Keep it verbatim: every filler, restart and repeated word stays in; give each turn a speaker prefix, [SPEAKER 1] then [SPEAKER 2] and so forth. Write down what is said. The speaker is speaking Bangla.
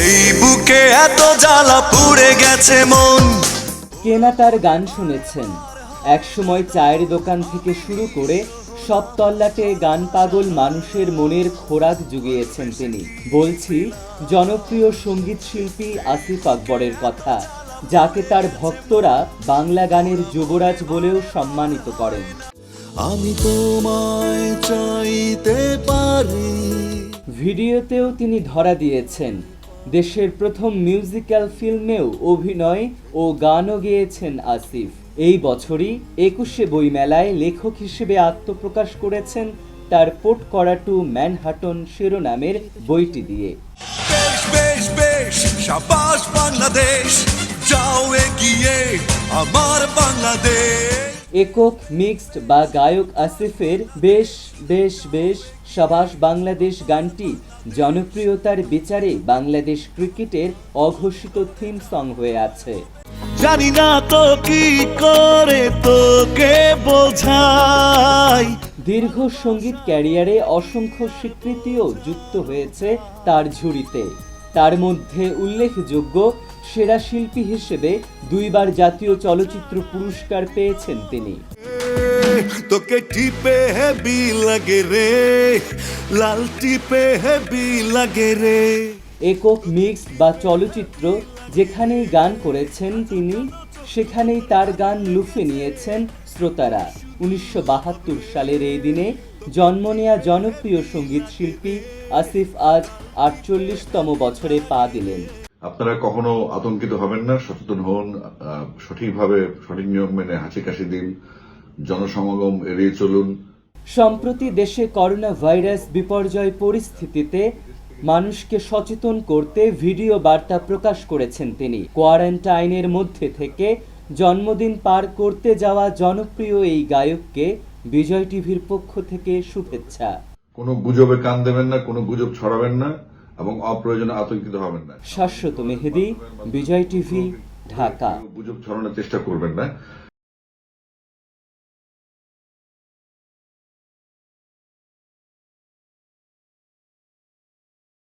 [SPEAKER 1] এই বুকে এত জ্বালা পুড়ে গেছে মন।
[SPEAKER 2] কেনা তার গান শুনেছেন, একসময় চায়ের দোকান থেকে শুরু করে সব তল্লাটে গান পাগল মানুষের মনের খোরাক জুগিয়েছেন তিনি। বলছি জনপ্রিয় সঙ্গীত শিল্পী আসিফ আকবরের কথা, যাকে তার ভক্তরা বাংলা গানের যুবরাজ বলেও সম্মানিত করেন।
[SPEAKER 1] আমি তোমায় চাইতে পারি।
[SPEAKER 2] ভিডিওতেও তিনি ধরা দিয়েছেন, দেশের প্রথম মিউজিক্যাল ফিল্মেও অভিনয় ও গানও গেয়েছেন আসিফ। এই বছরই একুশে বইমেলায় লেখক হিসেবে আত্মপ্রকাশ করেছেন তার পোট করা টু ম্যানহাটন শিরোনামের বইটি দিয়ে।
[SPEAKER 1] বেশ বেশ বেশ শাবাশ বাংলাদেশ, যাও এগিয়ে আমার বাংলাদেশ।
[SPEAKER 2] একক, মিক্সড বা গায়ক আসিফের বেশ বেশ বেশ শাবাশ বাংলাদেশ গানটি জনপ্রিয়তার বিচারে বাংলাদেশ ক্রিকেটের অঘোষিত থিম সং হয়ে আছে।
[SPEAKER 1] জানি না তো কি করে তোকে বোঝাই।
[SPEAKER 2] দীর্ঘ সঙ্গীত ক্যারিয়ারে অসংখ্য স্বীকৃতিও যুক্ত হয়েছে তার ঝুড়িতে। তার মধ্যে উল্লেখযোগ্য, সেরা শিল্পী হিসেবে দুইবার জাতীয় চলচ্চিত্র পুরস্কার পেয়েছেন তিনি।
[SPEAKER 1] তোকে টিপে হেবি লাগে রে, লাল টিপে হেবি লাগে রে।
[SPEAKER 2] একক, মিক্সড বা চলচ্চিত্র যেখানেই গান করেছেন তিনি, সেখানেই তার গান লুফে নিয়েছেন শ্রোতারা। উনিশশো বাহাত্তর সালের এই দিনে জন্ম নেয়া জনপ্রিয় সঙ্গীত শিল্পী আসিফ আজ আটচল্লিশতম বছরে পা দিলেন।
[SPEAKER 3] আপনারা কখনো আতঙ্কিত হবেন না, সচেতন হন, সঠিকভাবে সঠিক নিয়ম মেনে হাসি কাশি দিন, জনসমাগম এড়িয়ে চলুন।
[SPEAKER 2] সম্প্রতি দেশে করোনা ভাইরাস বিপর্যয় পরিস্থিতিতে মানুষকে সচেতন করতে ভিডিও বার্তা প্রকাশ করেছেন তিনি। কোয়ারেন্টাইনের মধ্যে থেকে জন্মদিন পার করতে যাওয়া জনপ্রিয় এই গায়ককে বিজয় টিভির পক্ষ থেকে শুভেচ্ছা।
[SPEAKER 3] কোনো গুজবে কান দেবেন না, কোনো গুজব ছড়াবেন না এবং অপ্রয়োজনে আতঙ্কিত হবেন না।
[SPEAKER 2] শাশ্বত মেহেদী, বিজয় টিভি, ঢাকা।
[SPEAKER 3] গুজব ছড়ানোর চেষ্টা করবেন না।